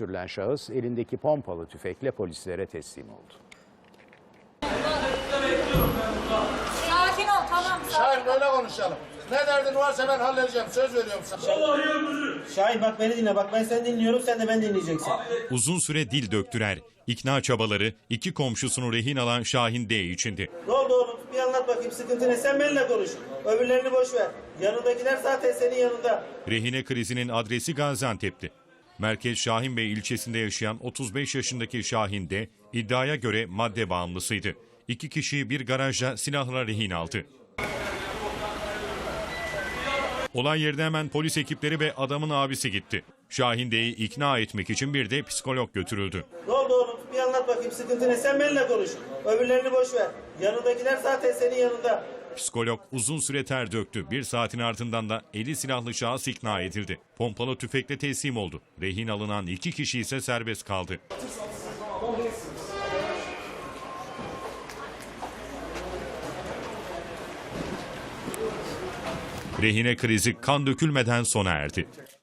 sürülen şahıs elindeki pompalı tüfekle polislere teslim oldu. Sakin ol, tamam. Şahin böyle konuşalım. Ne derdin varsa ben halledeceğim. Söz veriyorum sana. Şahin bak beni dinle. Bak ben seni dinliyorum. Sen de beni dinleyeceksin. Uzun süre dil döktüler. İkna çabaları iki komşusunu rehin alan Şahin D içindi. Ne oldu oğlum? Bir anlat bakayım. Sıkıntı ne? Sen benimle konuş. Öbürlerini boş ver. Yanındakiler zaten senin yanında. Rehine krizinin adresi Gaziantep'ti. Merkez Şahinbey ilçesinde yaşayan 35 yaşındaki Şahin D iddiaya göre madde bağımlısıydı. İki kişiyi bir garajda silahla rehin aldı. Olay yerine hemen polis ekipleri ve adamın abisi gitti. Şahin D'yi ikna etmek için bir de psikolog götürüldü. Ne oldu oğlum? Bir anlat bakayım. Sıkıntı ne? Sen benimle konuş. Öbürlerini boş ver. Yanındakiler zaten senin yanında. Psikolog uzun süre ter döktü. Bir saatin ardından da eli silahlı şahıs ikna edildi. Pompalı tüfekle teslim oldu. Rehin alınan iki kişi ise serbest kaldı. Rehine krizi kan dökülmeden sona erdi.